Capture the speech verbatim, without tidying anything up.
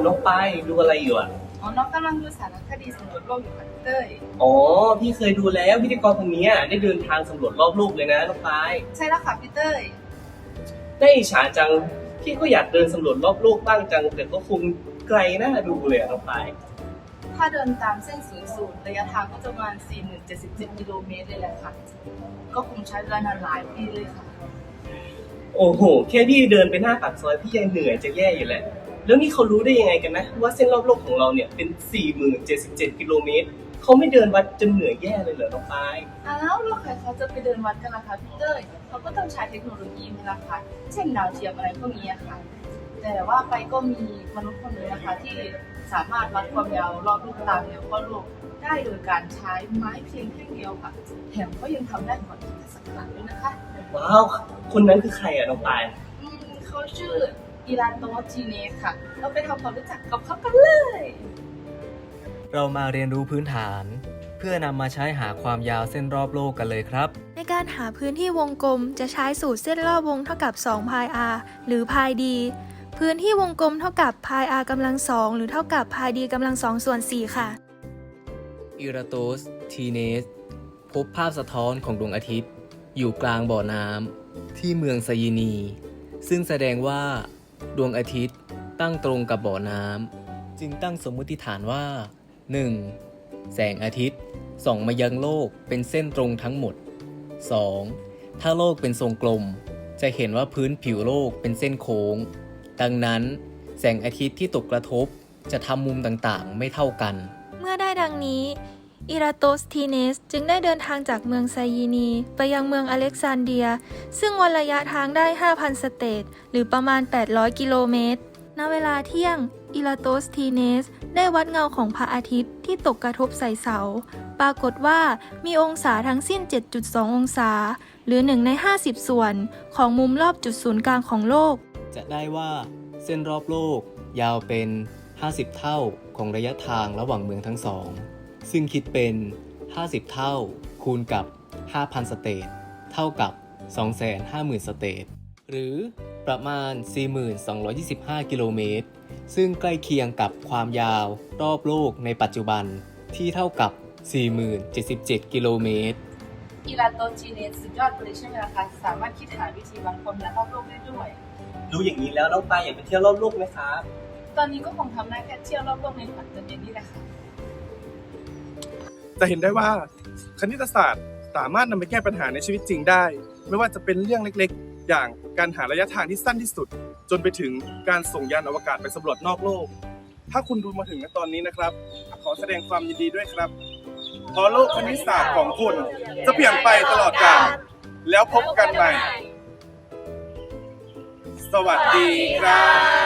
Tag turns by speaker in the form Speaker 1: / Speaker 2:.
Speaker 1: น้องปายดูอะไรอยู่อ่ะ
Speaker 2: อ๋อน้องกำลังดูสารคดีสำรวจโลกอยู่ค่ะพี่เต้ย
Speaker 1: อ๋อพี่เคยดูแล้วพิธีกรคนนี้ได้เดินทางสำรวจรอบโลกเลยนะน้องปาย
Speaker 2: ใช่แล้วค่ะพี่เต้ย
Speaker 1: ได้อิจฉาจังพี่ก็อยากเดินสำรวจรอบโลกบ้างจังแต่ก็คงไกลน่าดูเลยน้องปาย
Speaker 2: ถ้าเดินตามเส้นศูนย์สูตรระยะทางก็จะประมาณ สี่หมื่นเจ็ดสิบเจ็ด กิโลเมตรเลยแหละค่ะก็คงใช้เวลานานหลายปีเลยค่ะ
Speaker 1: โอ้โหแค่พี่เดินไปหน้าปากซอยพี่ยังเหนื่อยจะแย่อยู่แหละแล้วนี่เขารู้ได้ยังไงกันนะว่าเส้นรอบโลกของเราเนี่ยเป็น สี่หมื่นเจ็ดสิบเจ็ด กิโลเมตรเขาไม่เดินวัดจนเหนื่อยแย่เลยเหรอน้องปาย
Speaker 2: อ้าวแล้วใครเขาจะไปเดินวัดกันล่ะคะพี่เต้ยเขาก็ต้องใช้เทคโนโลยีนี่แหละค่ะเช่นดาวเทียมอะไรพวกนี้ค่ะแต่ว่าไปก็มีมนุษย์คนนึงนะคะที่สามารถวัดความยาวรอบโลกตามแนวขั้วโลกได้โดยการใช้ไม้เพียงแค่เดียวค่ะแถมก็ยังทำได้ก่อนคริสตศักราชด้วยนะคะ
Speaker 1: ว้าวคนนั้นคือใครอะน้องปาย
Speaker 2: อืมเขาชื่ออิรานโตจีเนสค่ะเราไปทำความรู้จักกับเขากันเลย
Speaker 3: เรามาเรียนรู้พื้นฐานเพื่อนำมาใช้หาความยาวเส้นรอบโลกกันเลยครับ
Speaker 4: ในการหาพื้นที่วงกลมจะใช้สูตรเส้นรอบวงเท่ากับ2 พาย r หรือพาย d พื้นที่วงกลมเท่ากับพาย r กำลังสองหรือเท่ากับพาย d กำลังสองส่วนสี่ค่ะ
Speaker 3: อิราโตสทีเนสพบภาพสะท้อนของดวงอาทิตย์อยู่กลางบ่อน้ำที่เมืองไซยีนีซึ่งแสดงว่าดวงอาทิตย์ตั้งตรงกับบ่อน้ำจึงตั้งสมมติฐานว่า หนึ่ง. แสงอาทิตย์ส่องมายังโลกเป็นเส้นตรงทั้งหมด สอง. ถ้าโลกเป็นทรงกลมจะเห็นว่าพื้นผิวโลกเป็นเส้นโค้งดังนั้นแสงอาทิตย์ที่ตกกระทบจะทำมุมต่างๆไม่เท่ากัน
Speaker 4: เมื่อได้ดังนี้อิราโตสทีเนสจึงได้เดินทางจากเมืองไซยีนีไปยังเมืองอเล็กซานเดียซึ่งวัดระยะทางได้ ห้าพัน สเตทหรือประมาณ แปดร้อย กิโลเมตรณเวลาเที่ยงอิราโตสทีเนสได้วัดเงาของพระอาทิตย์ที่ตกกระทบใส่เสาปรากฏว่ามีองศาทั้งสิ้น เจ็ดจุดสอง องศาหรือหนึ่งในห้าสิบส่วนของมุมรอบจุดศูนย์กลางของโลก
Speaker 3: จะได้ว่าเส้นรอบโลกยาวเป็นห้าสิบเท่าของระยะทางระหว่างเมืองทั้งสองซึ่งคิดเป็นห้าสิบเท่าคูณกับ ห้าพัน สเตทเท่ากับ สองแสนห้าหมื่น สเตทหรือประมาณ สี่หมื่นสองร้อยยี่สิบห้า กิโลเมตรซึ่งใกล้เคียงกับความยาวรอบโลกในปัจจุบันที่เท่ากับ สี่หมื่นเจ็ดสิบเจ็ด กิโลเมตร
Speaker 2: อิรานโตจีเนสสุดยอดเลยใช่ไหมล่ะคะสามารถคิดหาวิธีวัดความยาวรอบโลกได้ด้วย
Speaker 1: รู้อย่างนี้แล้วน้องปายอยากไปเที่ยวรอบโลกไหมครับ
Speaker 2: ตอนนี้ก็คงทำได้แค่เที่ยวรอบโลกในฝันตัวเองนี่แหละค่ะ
Speaker 5: จะเห็นได้ว่าคณิตศาสตร์สามารถนำไปแก้ปัญหาในชีวิตจริงได้ไม่ว่าจะเป็นเรื่องเล็กๆอย่างการหาระยะทางที่สั้นที่สุดจนไปถึงการส่งยานอวกาศไปสำรวจนอกโลกถ้าคุณดูมาถึงณตอนนี้นะครับขอแสดงความยินดีด้วยครับเพราะโลกคณิตศาสตร์ของคุณจะเปลี่ยนไปตลอดกาลแล้วพบกันใหม่สวัสดีครับ